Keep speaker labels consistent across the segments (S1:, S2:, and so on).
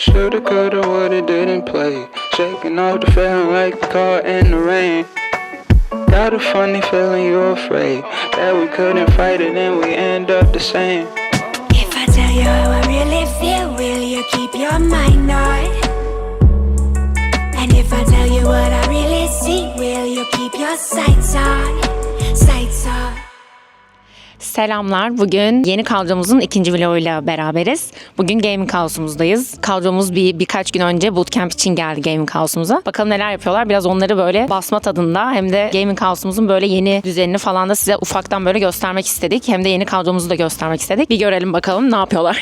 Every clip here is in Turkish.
S1: Shoulda, coulda, woulda, didn't play. Shaking off the feeling like the car in the rain. Got a funny feeling you're afraid that we couldn't fight it and we end up the same.
S2: If I tell you how I really feel, will you keep your mind on? And if I tell you what I really see, will you keep your sights on? Sights on.
S3: Selamlar. Bugün yeni kadromuzun ikinci vloguyla beraberiz. Bugün Gaming House'umuzdayız. Kadromuz birkaç gün önce bootcamp için geldi Gaming House'umuza. Bakalım neler yapıyorlar. Biraz onları böyle basma tadında hem de Gaming House'umuzun böyle yeni düzenini falan da size ufaktan böyle göstermek istedik. Hem de yeni kadromuzu da göstermek istedik. Bir görelim bakalım ne yapıyorlar.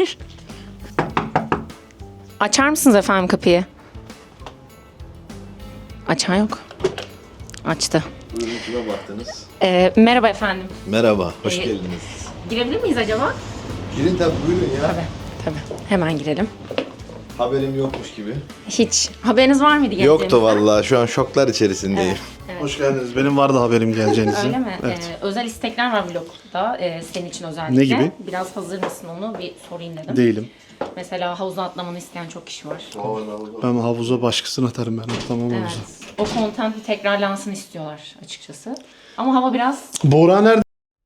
S3: Açar mısınız efendim kapıyı? Açan yok. Açtı.
S4: Buyurun, kime baktınız?
S3: Merhaba efendim.
S4: Merhaba, hoş geldiniz.
S3: Girebilir miyiz acaba?
S4: Girin tabii, buyurun ya.
S3: Tabii. Hemen girelim.
S4: Haberim yokmuş gibi.
S3: Hiç. Haberiniz var mıydı geleceğinizden?
S4: Yoktu vallahi, şu an şoklar içerisindeyim.
S3: Evet.
S5: Hoş geldiniz. Benim vardı haberim geleceğinizin.
S3: Öyle mi?
S5: Evet.
S3: Özel istekler var vlogda senin için özellikle.
S5: Ne gibi?
S3: Biraz hazır mısın onu bir sorayım dedim.
S5: Değilim.
S3: Mesela havuza atlamanı isteyen çok kişi var.
S5: Ben havuza başkasını atarım ben. Tamam
S3: Evet.
S5: havuza.
S3: O content bir tekrarlansın istiyorlar açıkçası. Ama hava biraz...
S5: Buğra nerede?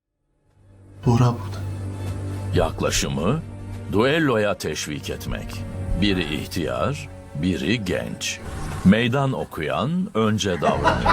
S5: Buğra burada.
S6: Yaklaşımı duelloya teşvik etmek. Biri ihtiyar, biri genç. Meydan okuyan önce davranıyor.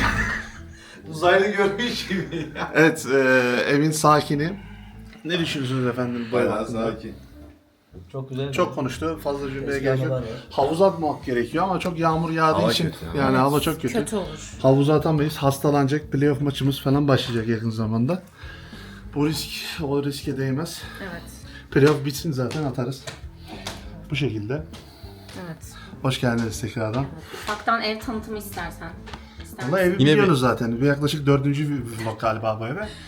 S4: Uzaylı görmüş gibi.
S5: Evet, evin sakini. Ne düşünüyorsunuz efendim?
S4: Bayağı sakin.
S7: Çok güzel.
S5: Çok konuştu. Fazla cümleye
S7: Eski
S5: gerek yok.
S7: anılar var.
S5: Havuza atmak gerekiyor ama çok yağmur yağdığı
S4: Hava
S5: için.
S4: kötü ya.
S5: Yani hava çok kötü.
S3: Kötü olur.
S5: Havuza atamayız. Hastalanacak. Playoff maçımız falan başlayacak yakın zamanda. Bu o riske değmez.
S3: Evet.
S5: Playoff bitsin zaten atarız. Bu şekilde.
S3: Evet.
S5: Hoş geldiniz tekrardan.
S3: Ufaktan ev tanıtımı istersen.
S5: Valla evi biliyorsunuz zaten. Bir yaklaşık 4. vlog galiba bu eve.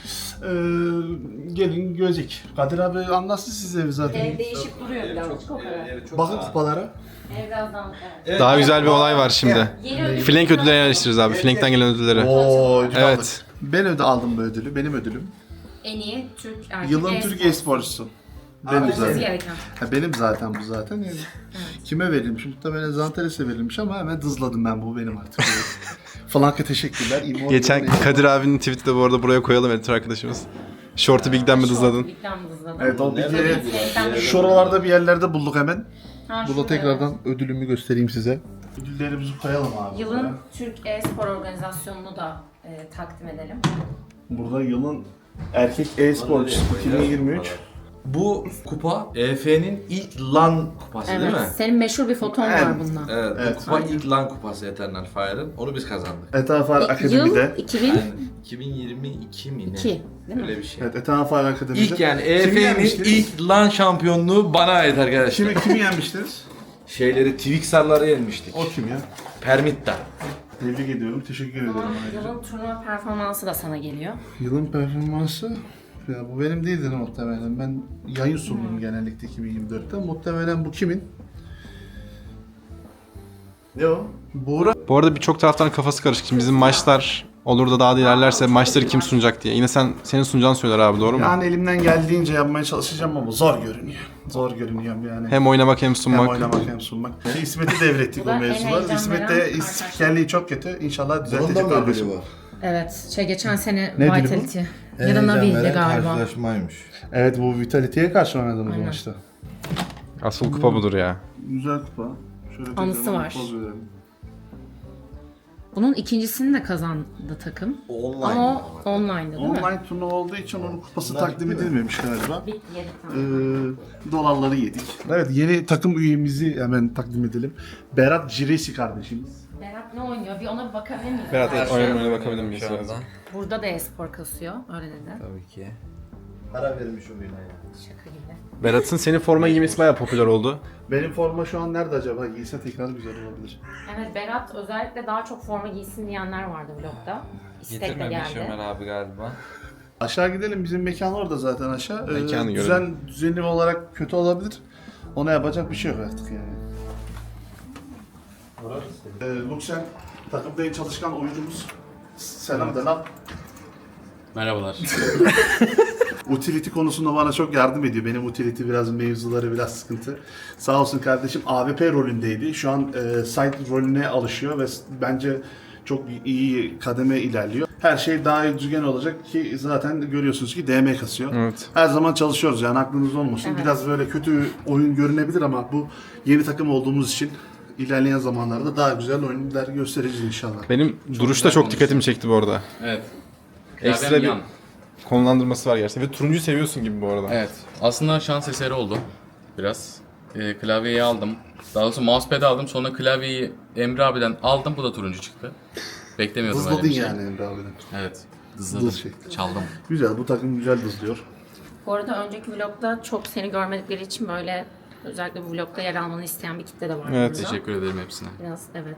S5: Gelin görecek. Kadir abi anlatsın size evi zaten.
S3: Ev değişik duruyor birazcık o kadar.
S5: Bakın kupalara.
S3: Ev birazdan... Evet.
S8: Daha güzel bir olay var şimdi.
S3: Yeni ödül-
S8: Flank ödülleri yerleştiririz abi. Flank'ten gelen ödülleri.
S5: Oo, ödül
S8: Evet.
S5: aldık. Ben aldım bu ödülü. Benim ödülüm.
S3: En iyi Türk erkek
S5: Yılın Türk e-sporcusu. Benim
S3: Olması
S5: zaten.
S3: gereken.
S5: Benim zaten bu zaten. Yani kime verilmiş? Muhtemelen Zantares'e verilmiş ama hemen dızladım ben, bu benim artık. Flank'a teşekkürler.
S8: Geçen Kadir abinin tweet'i de bu arada buraya koyalım editör arkadaşımız. Short'u Big'den mi hızladın?
S3: Big'den mi hızladın?
S5: Evet, o bilgiyi
S3: Flank'ten mi
S5: şuralarda bir yerlerde bulduk hemen.
S3: Ha,
S5: Burada
S3: şurada,
S5: tekrardan ödülümü göstereyim size. Ödüllerimizi koyalım abi.
S3: Yılın Türk e-spor organizasyonunu da takdim edelim.
S5: Burada yılın erkek e-sporcusu 2023.
S9: Bu kupa EF'nin ilk LAN kupası değil mi?
S3: Senin meşhur bir foton var bununla.
S9: Evet,
S5: Evet.
S9: bu kupa ilk LAN kupası Eternal Fire'ın. Onu biz kazandık.
S5: Etafar
S3: Yıl
S5: Akademi'de.
S3: 2002
S9: Yani 2022 mi ne?
S3: değil mi?
S9: Öyle bir şey.
S5: Evet, Etafar Akademi'de.
S9: İlk yani
S5: Kimi
S9: EF'nin
S5: yenmiştiniz?
S9: ilk LAN şampiyonluğu bana ait arkadaşlar.
S5: Kimi yenmiştiniz?
S9: Şeyleri Twixar'ları yenmiştik.
S5: O kim ya?
S9: Permitta.
S5: Tebrik ediyorum, teşekkür ederim. ayrıca.
S3: Yılın turnuva performansı da sana geliyor.
S5: Yılın performansı, ya bu benim değildir muhtemelen. Ben yayın sundum genellikle 2024'te. Muhtemelen bu kimin? Ne o? Buğra.
S8: Bu arada birçok taraftan kafası karışık. Şimdi bizim maçlar olur da daha da ilerlerse maçları kim sunacak diye. Yine senin sunacağını söyler abi, doğru mu?
S5: Yani elimden geldiğince yapmaya çalışacağım ama zor görünüyor. Zor görünüyor yani.
S8: Hem oynamak hem sunmak.
S5: Hem oynamak hem sunmak. İsmet'i devrettik
S3: Bu
S5: o
S3: da en
S5: mevzular.
S3: heyecan
S5: İsmet
S3: veren
S5: de
S3: arkadaşlar.
S5: spikerliği çok kötü. İnşallah
S4: Bunun da
S5: düzeltecek
S4: mı ödülü
S5: kardeşim.
S4: var?
S3: Evet, geçen sene
S5: Nedir bu?
S3: Vitality. Ya da Navi'ydi galiba.
S4: Karşılaşmaymış.
S5: Evet, bu Vitality'ye karşı oynadığımız
S3: Aynen.
S5: maçta.
S8: Asıl kupa budur ya.
S5: Güzel kupa. Şöyle
S3: Anısı
S5: tekrar
S3: var.
S5: poz verelim.
S3: Bunun ikincisini de kazandı takım.
S4: Online.
S3: Ama o online'dı değil mi?
S5: Online turnuva olduğu için onun kupası takdim edilmemiş galiba.
S3: Bitti, yedik tamam.
S5: Dolarları yedik. Evet, yeni takım üyemizi hemen takdim edelim. Berat Ciresi kardeşimiz.
S3: Berat ne oynuyor? Bir ona bir bakabilir miyiz?
S8: Berat oynamaya bakabilir miyiz?
S3: Burada da e-spor kasıyor, öyle dedi.
S9: Tabii ki.
S4: Para vermiş oyuna ya.
S3: Şaka gibi.
S8: Berat'ın senin forma giymesi bayağı popüler oldu.
S5: Benim forma şu an nerede acaba? Giyse tekrar güzel olabilir.
S3: Evet, Berat özellikle daha çok forma giysin diyenler vardı vlogda. İstekle geldi.
S7: abi galiba.
S5: Aşağı gidelim. Bizim mekan orada zaten aşağı.
S8: Mekanı görelim.
S5: Düzenli olarak kötü olabilir. Ona yapacak bir şey yok artık yani. Luxen takımda en çalışkan oyuncumuz. Selam da lan.
S9: Merhabalar.
S5: Utility konusunda bana çok yardım ediyor. Benim utility biraz mevzuları biraz sıkıntı. Sağ olsun kardeşim AWP rolündeydi. Şu an side rolüne alışıyor ve bence çok iyi kademe ilerliyor. Her şey daha düzgün olacak ki zaten görüyorsunuz ki DM kasıyor.
S8: Evet.
S5: Her zaman çalışıyoruz yani aklınızda olmasın. Biraz böyle kötü oyun görünebilir ama bu yeni takım olduğumuz için ilerleyen zamanlarda daha güzel oyunlar göstereceğiz inşallah.
S8: Benim duruş da çok dikkatimi çekti bu arada.
S9: Evet.
S8: Ekstra
S9: Klavyem
S8: bir
S9: yan.
S8: konumlandırması var gerçekten. Ve turuncuyu seviyorsun gibi bu arada.
S9: Evet. Aslında şans eseri oldu. Biraz. Klavyeyi aldım. Daha doğrusu mousepad'i aldım. Sonra klavyeyi Emre abiden aldım. Bu da turuncu çıktı. Beklemiyordum öyle
S5: Hızladın
S9: bir şey.
S5: yani Emre abiden.
S9: Evet. Dızladım.
S5: Dız şey.
S9: Çaldım.
S5: Güzel, bu takım güzel hızlıyor.
S3: Bu arada önceki vlogda çok seni görmedikleri için böyle özellikle bu vlogda yer almanı isteyen bir kitle de var.
S8: Evet.
S3: burada.
S9: Teşekkür ederim hepsine.
S3: Biraz evet.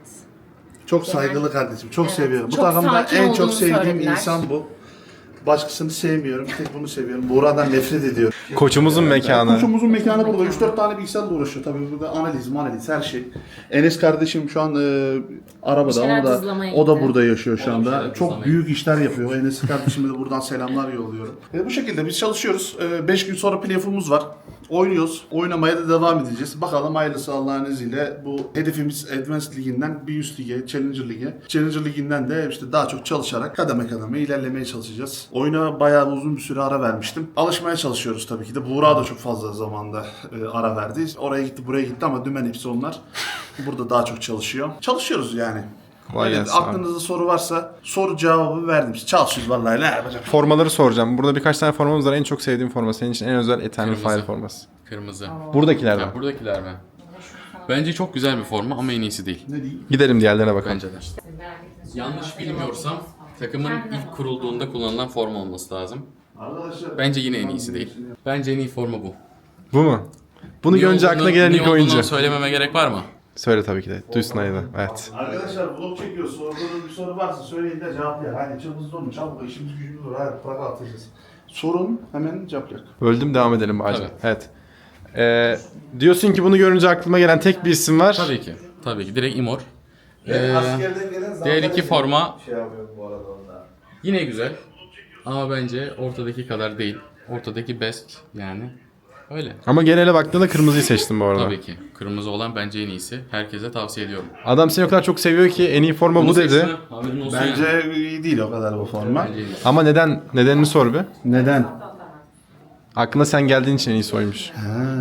S5: Çok saygılı kardeşim, çok
S3: Evet,
S5: seviyorum. Bu
S3: çok
S5: takımda
S3: sakin
S5: en çok
S3: olduğunu
S5: sevdiğim
S3: söylediler.
S5: insan bu. Başkasını sevmiyorum, bir tek bunu seviyorum. Buğra'dan nefret ediyorum.
S8: Koçumuzun mekanı.
S5: Koçumuzun mekanı burada. 3-4 tane bilgisayarla uğraşıyor. Tabii burada analiz, her şey. Enes kardeşim şu an arabada.
S3: şeyler
S5: Onu da,
S3: dızlamaya
S5: o da
S3: gitti.
S5: burada yaşıyor şu
S9: O da bir
S5: anda.
S9: şeyler
S5: Çok
S9: dızlamaya
S5: büyük işler yapıyor. Enes kardeşime de buradan selamlar yolluyorum. Bu şekilde biz çalışıyoruz. 5 gün sonra playoff'umuz var. Oynuyoruz. Oynamaya da devam edeceğiz. Bakalım hayırlısı Allah'ın izniyle. Bu hedefimiz Advanced Ligi'nden bir üst lige, Challenger Ligi. Challenger Ligi'nden de işte daha çok çalışarak kademe kademe ilerlemeye çalışacağız. Oyuna bayağı uzun bir süre ara vermiştim. Alışmaya çalışıyoruz tabii ki de. Buğra da çok fazla zamanda ara verdi. Oraya gitti, buraya gitti ama dümen hepsi onlar. Burada daha çok çalışıyor. Çalışıyoruz yani.
S8: Kolay
S5: Evet,
S8: gelsin abi.
S5: aklınızda soru varsa soru cevabı verdim. Çalışıyoruz vallahi ne yapacağım.
S8: Formaları soracağım. Burada birkaç tane formamız var. En çok sevdiğim forma. Senin için en özel Eternal
S9: Kırmızı.
S8: Fire forması.
S9: Kırmızı.
S8: Buradakiler
S9: Ya
S8: mi?
S9: buradakiler mi? Bence çok güzel bir forma ama en iyisi değil.
S5: Ne diyeyim?
S8: Gidelim diğerlerine bakalım.
S9: Bence de. Yanlış bilmiyorsam takımın ilk kurulduğunda kullanılan forma olması lazım.
S5: Arkadaşlar
S9: Bence yine en iyisi değil. Bence en iyi forma bu.
S8: Bu mu? Bunu
S9: Niye
S8: görünce
S9: olduğunu-
S8: aklına gelen
S9: niye
S8: ilk
S9: olduğunu
S8: oyuncu.
S9: söylememe gerek var mı?
S8: Söyle tabii ki de. Duysun ayı da. Evet.
S5: Arkadaşlar vlog çekiyor. Sorduğunuz bir soru varsa söyleyin de cevaplayalım. Hadi çabuk olun. Çabuk işimiz gücümüz var. Hadi bırak atacağız. Sorun hemen cevaplayalım.
S8: Böldüm devam edelim Bağcı.
S9: Tabii.
S8: Evet. Diyorsun ki bunu görünce aklıma gelen tek bir isim var.
S9: Tabii ki. Tabii ki. Direkt Imor.
S5: Askerden gelen
S9: Diğer iki forma
S4: Şey yapıyorum bu arada onda.
S9: yine güzel. Ama bence ortadaki kadar değil. Ortadaki best yani. Öyle.
S8: Ama genele baktığında kırmızıyı seçtim bu arada.
S9: Tabii ki. Kırmızı olan bence en iyisi. Herkese tavsiye ediyorum.
S8: Adam seni o kadar çok seviyor ki en iyi forma bu
S9: Bunu
S8: dedi.
S9: seçme, haberin olsun yani.
S5: Bence iyi değil o kadar bu forma.
S9: Bence en iyisi.
S8: Ama neden? Nedenini sor bir.
S5: Neden?
S8: Aklına sen geldiğin için en iyisi oymuş.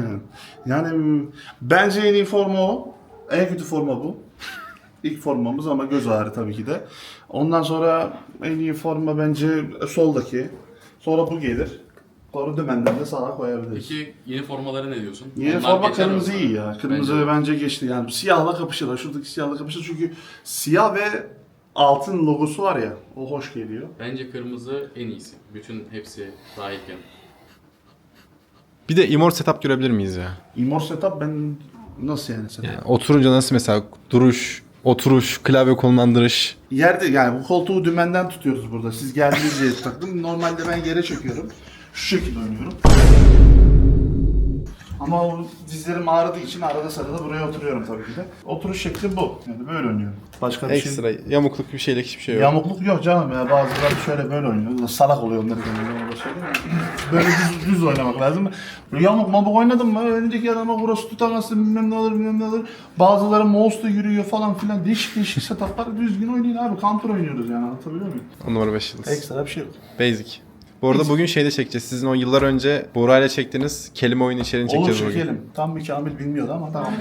S5: Yani bence en iyi forma o. En kötü forma bu. İlk formamız ama göz ağrı tabii ki de. Ondan sonra en iyi forma bence soldaki. Sonra bu gelir. Sonra dümenden de sağa koyabiliriz.
S9: Peki yeni formalara ne diyorsun?
S5: Yeni
S9: Onlar
S5: forma
S9: geçer
S5: kırmızı
S9: mi?
S5: iyi ya. Kırmızı bence geçti yani. Siyahla kapışır. Şuradaki siyahla kapışır çünkü siyah ve altın logosu var ya. O hoş geliyor.
S9: Bence kırmızı en iyisi. Bütün hepsi dahilken.
S8: Bir de Immor setup görebilir miyiz ya?
S5: Immor setup ben nasıl yani setup?
S8: Yani oturunca nasıl mesela duruş, oturuş, klavye konumlandırış.
S5: Yerde yani bu koltuğu dümenden tutuyoruz burada. Siz geldiğiniz yere taktım. Normalde ben yere çöküyorum. Şu şekilde oynuyorum. Ama o dizlerim ağrıdığı için arada sırada buraya oturuyorum tabii ki de. Oturuş şekli bu. Yani böyle oynuyorum. Başka bir
S8: Ekstra
S5: şey...
S8: yamukluk bir şeylik hiçbir şey yok.
S5: Yamukluk yok canım ya. Bazıları şöyle böyle oynuyor. Salak oluyor onları kendine söyleyeyim. Böyle düz oynamak lazım. Böyle yamuk mabuk oynadın mı? Öndeki adama burası tutamazsın bilmem ne olur bilmem ne olur. Bazıları mouse'la yürüyor falan filan. Değişik setuplar düzgün oynayın abi. Counter oynuyoruz yani anlatabiliyor muyum?
S8: 10 numara 5 yıldız.
S5: Ekstra bir şey yok.
S8: Basic. Bu arada bugün şeyde çekeceğiz. Sizin o yıllar önce Buğra ile çektiğiniz kelime oyunu içeriğini
S5: Olur
S8: çekeceğiz bugün.
S5: çekelim. Tam bir Kamil bilmiyordu ama tamam.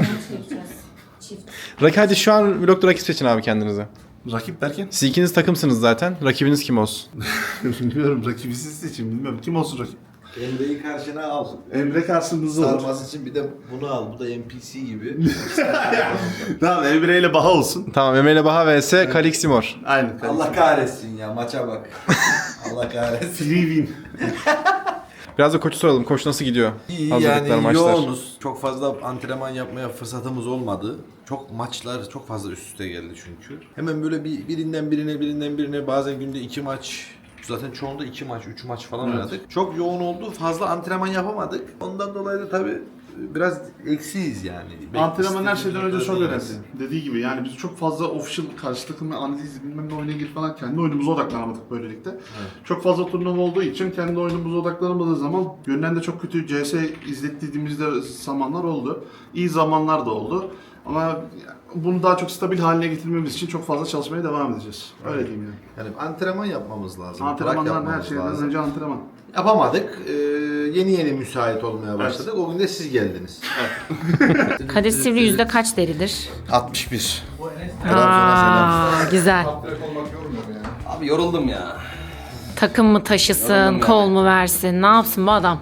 S8: Hadi şu an vlogda rakip seçin abi kendinize.
S5: Rakip derken?
S8: Siz ikiniz takımsınız zaten. Rakibiniz kim olsun?
S5: Bilmiyorum rakibi siz seçin bilmiyorum. Kim olsun rakip?
S4: Emre'yi karşına al.
S5: Emre karşımızda olur.
S4: Sarması için bir de bunu al. Bu da NPC gibi.
S5: Tamam Emre ile Baha olsun.
S8: Tamam Emre ile Baha vs Kalix Immor.
S5: Aynen.
S4: Allah kahretsin ya maça bak. Allah kahretsin.
S5: Free win.
S8: Biraz da koçu soralım. Koç nasıl gidiyor?
S10: İyi
S8: Hazırlıklar,
S10: yani
S8: maçlar.
S10: yoğunuz. Çok fazla antrenman yapmaya fırsatımız olmadı. Çok maçlar çok fazla üst üste geldi çünkü. Hemen böyle birinden birine bazen günde 2 maç, zaten çoğunda 2 maç 3 maç falan oynadık. Çok yoğun oldu. Fazla antrenman yapamadık. Ondan dolayı da tabii biraz eksiyiz yani.
S5: Antrenman her şeyden önce çok önemli.
S10: değiliz.
S5: Dediği gibi yani biz çok fazla official karşı takım ve analiz bilmem ne oyuna ilgili falan kendi oyunumuza odaklanamadık böylelikle. Çok fazla turnuva olduğu için kendi oyunumuza odaklanamadığı zaman yönden de çok kötü CS izlettiğimizde zamanlar oldu. İyi zamanlar da oldu. Ama bunu daha çok stabil haline getirmemiz için çok fazla çalışmaya devam edeceğiz. Öyle diyeyim yani.
S10: Yani antrenman yapmamız lazım. bırak
S5: Antrenmanlar her
S10: yapmamız
S5: şeyden
S10: lazım.
S5: önce antrenman.
S10: Yapamadık. Yeni müsait olmaya başladık. O gün de siz geldiniz.
S3: Kadir Sivri yüzde kaç deridir?
S10: 61.
S3: Güzel.
S7: Abi yoruldum ya.
S3: Takım mı taşısın, kol mu versin, ne yapsın bu adam?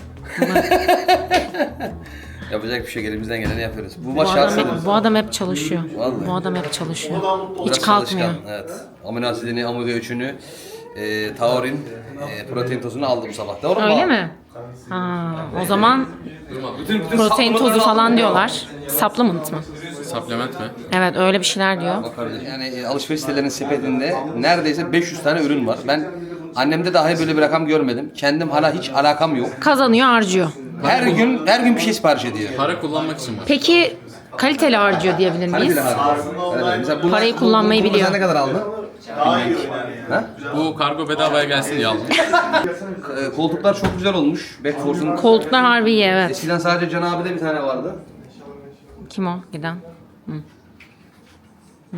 S7: Yapacak bir şey elimizden geleni yapıyoruz. Bu
S3: Bu
S7: maç
S3: adam,
S7: şanslı.
S3: hep, bu adam hep çalışıyor.
S7: Vallahi.
S3: Bu adam hep çalışıyor.
S7: Biraz
S3: Hiç kalkmıyor.
S7: çalışkan, evet. Amino asidini, amino ölçünü, taurin, protein tozunu aldı bu sabah. Doğru mu?
S3: Öyle mi? Ha, o zaman protein tozu falan diyorlar. Supplement mı?
S9: Supplement mi?
S3: Evet öyle bir şeyler diyor.
S7: Yani alışveriş sitelerinin sepetinde neredeyse 500 tane ürün var. Ben annemde dahi böyle bir rakam görmedim. Kendim hala hiç alakam yok.
S3: Kazanıyor, harcıyor.
S7: Her gün bir şey sipariş ediyor.
S9: Para kullanmak için var.
S3: Peki kaliteli harcıyor diyebilir miyiz?
S7: Kaliteli harcıyor. Evet, mesela bunlar-
S3: Parayı kullanmayı
S7: bunu
S3: biliyor.
S7: sen ne kadar aldın?
S9: Bu kargo bedavaya gelsin diye aldım.
S7: Koltuklar çok güzel olmuş. Backforce'un.
S3: Koltuklar harbi iyi, evet.
S7: Eskiden sadece Can abi'de bir tane vardı.
S3: Kim o giden? Hı. Hı.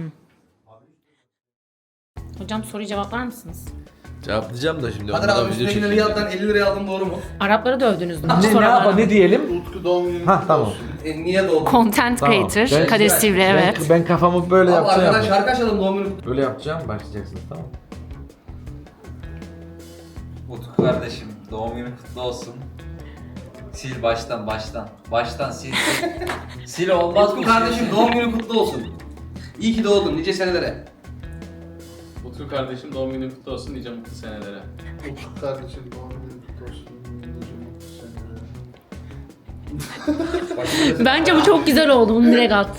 S3: Hocam soruyu cevaplar mısınız?
S10: Cevaplayacağım da şimdi.
S7: Kadir
S10: onlara
S7: abi
S10: video
S7: üstüne 50 liraya 50 liraya aldım, doğru mu?
S3: Arapları dövdünüz mü?
S11: Ne diyelim?
S5: Utku doğum günü
S11: Ha tamam.
S7: Niye doğdun?
S3: Content creator,
S11: Ben-
S3: Kadir Sivri, evet.
S11: Ben kafamı böyle
S7: Abi
S11: yapacağım.
S7: arkadan şarkı açalım doğum günü.
S11: Böyle yapacağım, başlayacaksınız tamam.
S12: Utku kardeşim doğum günün kutlu olsun. Sil baştan. Baştan sil. Sil olmaz
S7: Utku
S12: mı?
S7: kardeşim doğum günün kutlu olsun. İyi ki doğdun nice senelere.
S9: Utku kardeşim doğum günün kutlu olsun nice mutlu senelere.
S5: Utku kardeşim doğum günü kutlu olsun.
S3: Bence bu çok güzel oldu. Bunu direkt at.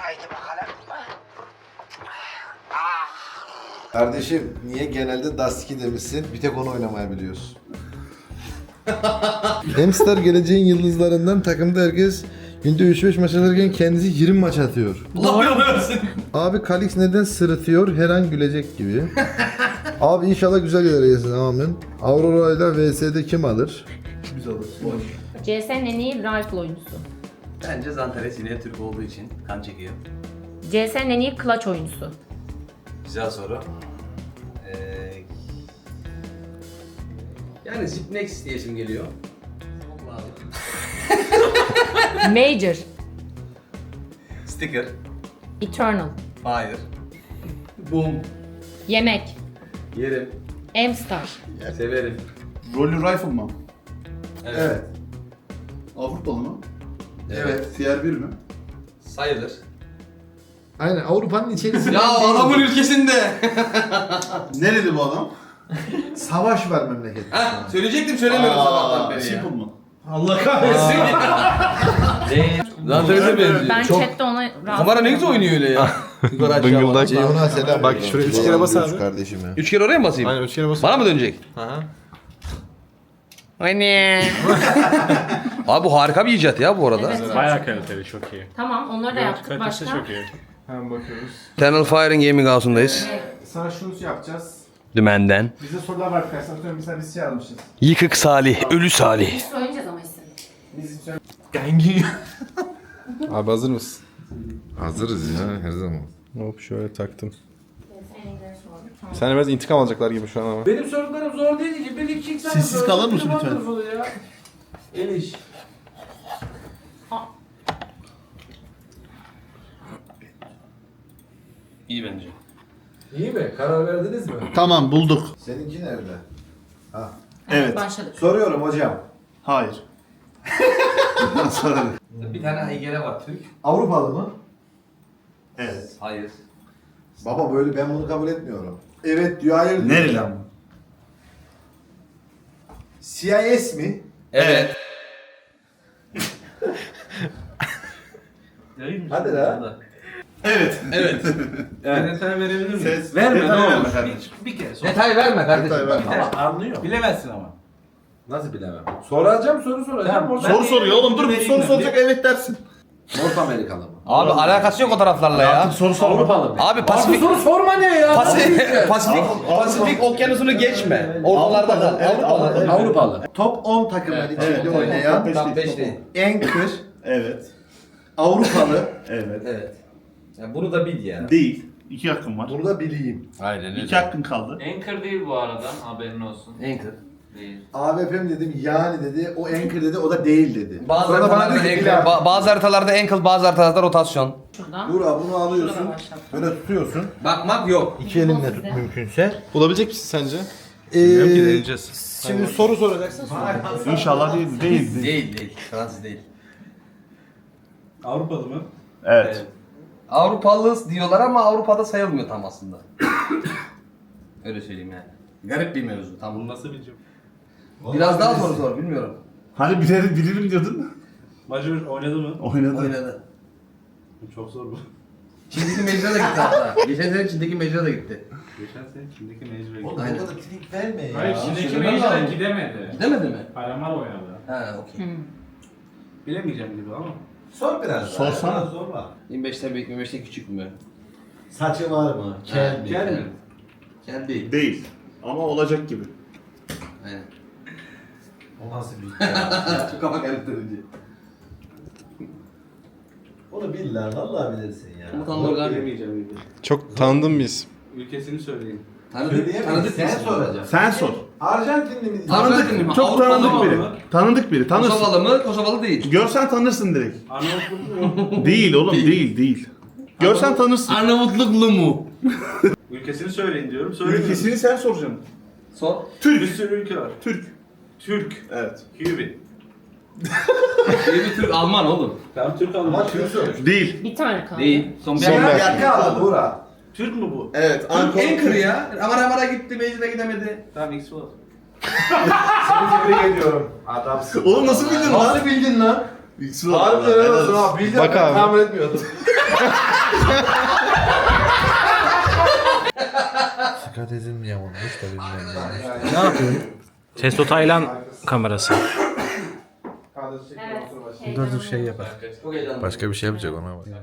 S10: Kardeşim niye genelde Dust 2 demişsin? Bir tek onu oynamayı biliyorsun. Hamster geleceğin yıldızlarından, takımda herkes günde 3-5 maç atarken kendisi 20 maç atıyor.
S7: Allah belanı versin.
S10: Abi Kalix neden sırıtıyor? Her an gülecek gibi. Abi inşallah güzel yerlere gelsin, amin. Aurora ile VS'de kim alır?
S5: Biz alırız.
S3: CS'nin en iyi rifle oyuncusu.
S7: Bence Zantares yine Türk olduğu için kan çekiyor.
S3: CS'nin en iyi clutch oyuncusu.
S7: Güzel soru. Yani Zipnex diye isim geliyor.
S3: Major,
S7: Sticker.
S3: Eternal,
S7: Hayır. Boom.
S3: Yemek,
S7: Yerim.
S3: M-Star,
S7: Severim.
S5: Rolling Rifle mı?
S10: Evet.
S5: Avrupalı mı?
S10: Evet.
S5: Tier 1 mi?
S7: Sayılır.
S10: Aynen Avrupa'nın içerisinde.
S7: Ya adamın ülkesinde.
S5: Nereli bu adam?
S10: Savaş var memlekette.
S7: Heh, söyleyecektim söylemiyorum sabahtan beri ya.
S5: Simple mı?
S7: Allah kahretsin. Zantares'e benziyor.
S3: Ben chatte ona
S7: Kamera ne güzel oynuyor öyle ya. Yukarı aşağı
S8: Bıngıldak.
S10: Ceyhun'a selam.
S8: Bak şuraya 3 kere bas abi.
S10: Kardeşime.
S7: 3 kere oraya mı basayım?
S8: Aynen 3 kere bas.
S7: Bana mı dönecek?
S8: Aha.
S3: Anne.
S7: Abi bu harika bir icat ya bu arada.
S9: Bayağı kaliteli, çok iyi.
S3: Tamam onları da yaptık. Başka?
S9: iyi.
S8: Hemen bakıyoruz.
S7: Eternal Fire'in Gaming House'undayız.
S8: Sana şunu yapacağız.
S7: Dümenden.
S8: Bizde sorular var arkadaşlar. Atıyorum mesela biz şey almışız.
S7: Yıkık Salih, Ölü Salih.
S3: Söyleyeceğiz ama isim.
S8: Gengi. Abi hazır mısın?
S10: Hazırız ya her zaman.
S8: Hop şöyle taktım. Sen biraz intikam alacaklar gibi şu an ama.
S11: Benim sorularım zor değil ki. Bir iki tane
S5: Sessiz
S11: soru.
S5: kalır mısın lütfen?
S11: Ya. El iş.
S7: İyi bence.
S11: İyi mi? Karar verdiniz mi?
S5: Tamam bulduk.
S10: Seninki nerede?
S5: Evet.
S3: Başladık.
S10: Soruyorum hocam.
S5: Hayır. Soralım.
S7: Bir tane heykele var Türk.
S10: Avrupalı mı?
S5: Evet.
S7: Hayır.
S10: Baba böyle ben bunu kabul etmiyorum. Evet diyor, hayır diyor.
S5: Nereli ama?
S10: CIS mi?
S7: Evet.
S10: Hadi la.
S5: Evet.
S7: Evet.
S11: Detay verebilir miyim?
S5: Ses.
S11: Verme
S5: Detay
S11: ne
S5: verme
S11: olur.
S5: kardeşim.
S11: Bir kere sor.
S7: Detay verme kardeşim.
S5: Detay verme.
S11: Ama anlıyor. Bilemezsin ama.
S10: Nasıl bilemem?
S11: Soracağım soru soracağım.
S10: Tamam,
S5: Soru soruyor oğlum, dur, soru soracak, evet dersin.
S10: North Amerikalı mı?
S7: Abi alakası yok o taraflarla ya.
S5: Artık soru sorma.
S11: Avrupalı mı?
S7: Abi
S11: Abi
S7: Pasifik
S11: soru sorma ne ya?
S7: Pasifik okyanusunu geçme. Ortalarda kal. Avrupalı.
S11: Avrupalı.
S4: Top 10 takımlar içinde oynayan
S7: Tam 5 değil.
S4: Anchor
S5: Evet.
S4: Avrupalı.
S5: Evet.
S10: Evet. Ya bunu da bil ya.
S5: Değil. 2 hakkın var.
S4: Bunu da bileyim.
S7: Aynen öyle.
S5: 2 hakkın kaldı.
S12: Anchor değil bu arada, haberin olsun.
S7: Anchor.
S12: Değil.
S4: AWP'm dedim, yani dedi, o Anchor dedi, o da değil dedi.
S7: Bazı
S4: Sonra bana
S7: haritalarda
S4: dedi ki,
S7: ankle, bazı haritalarda ankle, bazı haritalarda rotasyon.
S3: Şuradan.
S4: Burak bunu alıyorsun, böyle tutuyorsun.
S7: Bakmak yok.
S4: İki elinle tut mümkünse.
S8: Bulabilecek misin sence? Bilmiyorum ki, deneyeceğiz.
S4: Şimdi soru soracaksın.
S5: İnşallah değil.
S7: Değil. Fransız değil.
S11: Avrupalı mı?
S5: Evet.
S7: Avrupalı diyorlar ama Avrupa'da sayılmıyor tam aslında. Öyle söyleyeyim yani. Garip bir mevzu. Tam bunu nasıl bileceğim? Biraz daha soru sor, bilmiyorum.
S5: Hani bilirim diyordun.
S11: Majör oynadı mı?
S7: Oynadı.
S11: Çok zor bu.
S7: Çin'deki mecra da gitti hatta. Geçen sene Çin'deki mecra da gitti.
S11: Geçen sene Çin'deki mecbur.
S4: Oğlum
S7: Aynen.
S4: o kadar trik verme ya.
S11: Hayır Çin'deki
S7: söylemem
S11: mecbur
S7: lazım.
S11: gidemedi.
S7: Gidemedi mi?
S11: Palamar oynadı.
S7: Ha, okey.
S11: Bilemeyeceğim gibi ama.
S4: Sor biraz.
S5: Sorsana.
S4: Daha, sorma.
S7: 25'te büyük, 25'te küçük mü?
S4: Saçı var mı? Kel mi?
S7: Kel mi? Kel değil.
S5: Değil. Ama olacak gibi.
S7: Aynen.
S4: O nasıl bir
S7: Çok kafa karıştırıcı.
S4: Onu bil lan, vallahi bilirsin ya.
S7: Komutanlar galiba.
S11: Bilemeyeceğim gibi.
S8: Çok tanıdığım bir isim.
S11: Ülkesini söyleyin.
S7: Tanıdık
S4: Sen
S7: birisi.
S4: soracaksın.
S5: Sen sor.
S4: Arjantinli mi?
S7: Tanıdık mi?
S5: Çok
S7: Avrupalı
S5: tanıdık
S7: mı?
S5: biri. Tanıdık biri. Tanırsın.
S7: Kosovalı mı? Kosovalı değil.
S5: Görsen tanırsın direkt.
S11: Arnavutluk mu?
S5: Değil oğlum, değil. Görsen tanırsın.
S7: Arnavutluklu mu?
S11: Ülkesini söyleyin diyorum. Söylemiyorum.
S5: Ülkesini sen soracaksın.
S7: Sor.
S11: Bir sürü ülke var.
S5: Türk.
S11: Türk.
S5: Evet.
S11: Kübi.
S7: Bir Türk Alman oğlum.
S11: Tamam Türk
S4: Ama
S11: Alman.
S4: Türk söyle.
S5: Değil.
S3: Bir tane kaldı.
S7: Değil. Son bir
S8: Son
S7: Ankara.
S8: bir-
S4: Yakala Burak.
S11: Türk mü bu?
S5: Evet.
S7: Ankara ya. Amara gitti, Beyazıt'a gidemedi.
S11: Tamam X olsun.
S4: Seni tebrik ediyorum. Adamsın.
S5: Oğlum nasıl bildin lan?
S4: Nasıl bildin lan?
S5: Harbiden
S4: Harbiden helal olsun ha. Bildin,
S8: Bak
S4: ben
S8: abi.
S4: tahmin etmiyordum. Dikkat edilmiyor olmuş da bilmiyorum.
S11: Ne yapıyorsun? Testo Taylan kamerası.
S10: Dur şey yapar.
S7: Çok heyecanlı.
S10: Başka bir şey yapacak ona bak.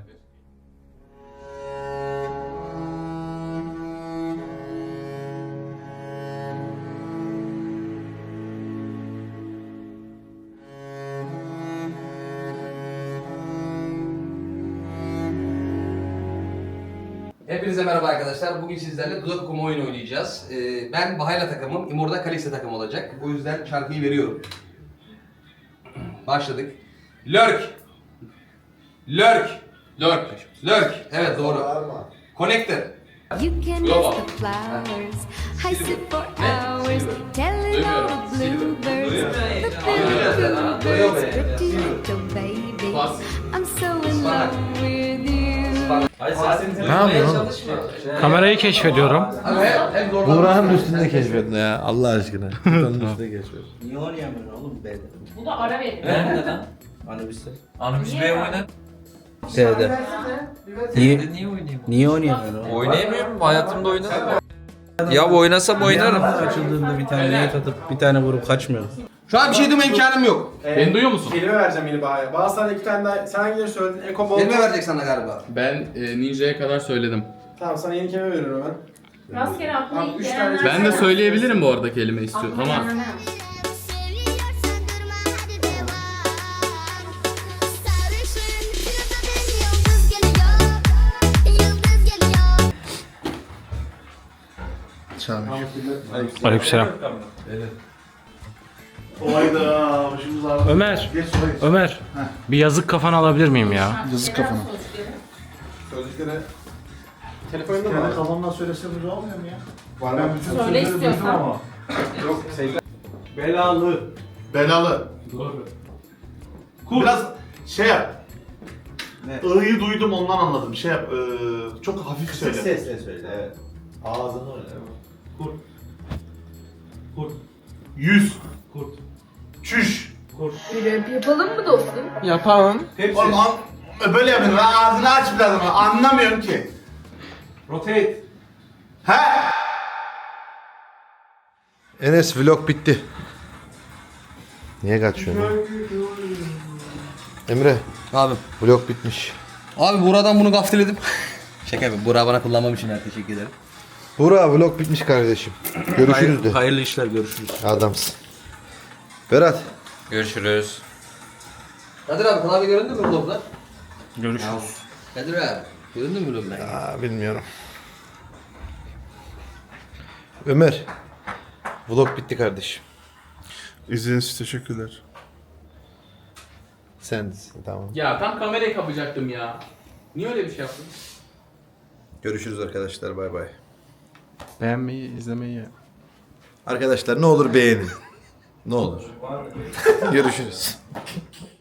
S7: Hepinize merhaba arkadaşlar. Bugün sizlerle dudak okuma oyunu oynayacağız. Ben Bahayla takımım, İmor'da Kalista takım olacak. O yüzden şarkıyı veriyorum. Başladık. Lurk. Evet doğru. Connector.
S2: You can
S7: Global.
S2: miss the flowers. I sit for hours telling all the bluebirds. The
S7: Duyuyor
S2: birds
S7: beni.
S2: pretty little baby.
S7: Bas.
S2: I'm so in love with you.
S10: Ne yapıyorsun?
S11: Kamerayı keşfediyorum.
S7: Abi hem zorla.
S10: Buğra'nın üstünde keşfedin ya Allah aşkına. Buğra'nın üstünde keşfedin.
S12: Niye oynayamıyorsun oğlum B'de?
S3: Bu da ara veriyor.
S12: Neden? Anubis B oyna.
S11: C'de.
S12: Niye oynayamıyorum?
S11: Niye oynayamıyorsun?
S12: Oynayamıyorum. Hayatımda oynadım. Ya oynasam oynarım.
S11: Açıldığında bir tane neye atıp bir tane vurup kaçmıyorum.
S7: Şu an bir şey deme imkanım yok.
S9: Beni duyuyor musun?
S11: Kelime vereceğim yeni Baha'ya. Bazı tane iki tane daha. Sen hangileri söyledin? Eko bol.
S7: Kelime verecek sana galiba.
S9: Ben Ninja'ya kadar söyledim.
S11: Tamam sana yeni kelime veriyorum hemen.
S3: Rastgele aklına
S11: Tamam,
S3: ilk
S11: üç
S3: gelen
S11: tane-
S9: Ben de söyleyebilirim bu arada kelime istiyorum ama
S11: Aleykümselam.
S5: Hayda. Başımız ağrıyor.
S11: Ömer.
S5: Geç sola geç.
S11: Ömer. Bir yazık kafanı alabilir miyim ya?
S5: Yazık kafana. Sözlüklere
S11: Telefonunda
S5: kendi kafamdan söylesem güzel olmuyor mu ya?
S11: Var
S5: Ben bütün
S3: Söyle
S5: sözleri duydum
S3: istiyorsan.
S5: ama.
S11: Yok belalı.
S5: Belalı.
S11: Doğru.
S5: Biraz şey yap. I'yı duydum ondan anladım. Şey yap. Çok hafif söyle.
S4: Sesle söyle, evet. Ağzını öyle.
S11: Kurt. Kurt.
S5: Yüz.
S11: Kurt.
S5: Çüş.
S11: Kurt.
S2: Yapalım mı dostum?
S8: Yapalım.
S11: Hepsi.
S5: Oğlum böyle yapıyorsun. Ağzını aç biraz ama anlamıyorum ki.
S11: Rotate.
S5: He?
S10: Enes vlog bitti. Niye kaçıyorsun? Emre,
S7: Abi.
S10: vlog bitmiş.
S7: Abi Buğra'dan bunu gafteledim. Şaka yapayım. Buğra bana kullanmam için teşekkür ederim.
S10: Buğra, vlog bitmiş kardeşim. Görüşürüz de.
S7: Hayırlı işler, görüşürüz.
S10: Adamsın. Berat.
S12: Görüşürüz.
S7: Kadir abi klavye göründü mü vlogda?
S9: Görüşürüz.
S7: Kadir abi. Göründü mü vlogda?
S10: Bilmiyorum. Ömer. Vlog bitti kardeşim.
S5: İzlediğiniz için teşekkürler.
S10: Sen tamam.
S9: Ya tam kamerayı kapacaktım ya. Niye öyle bir şey yaptın?
S10: Görüşürüz arkadaşlar. Bay bay.
S8: Beğenmeyi, izlemeyi.
S10: Arkadaşlar ne olur beğenin. Ne olur. Görüşürüz.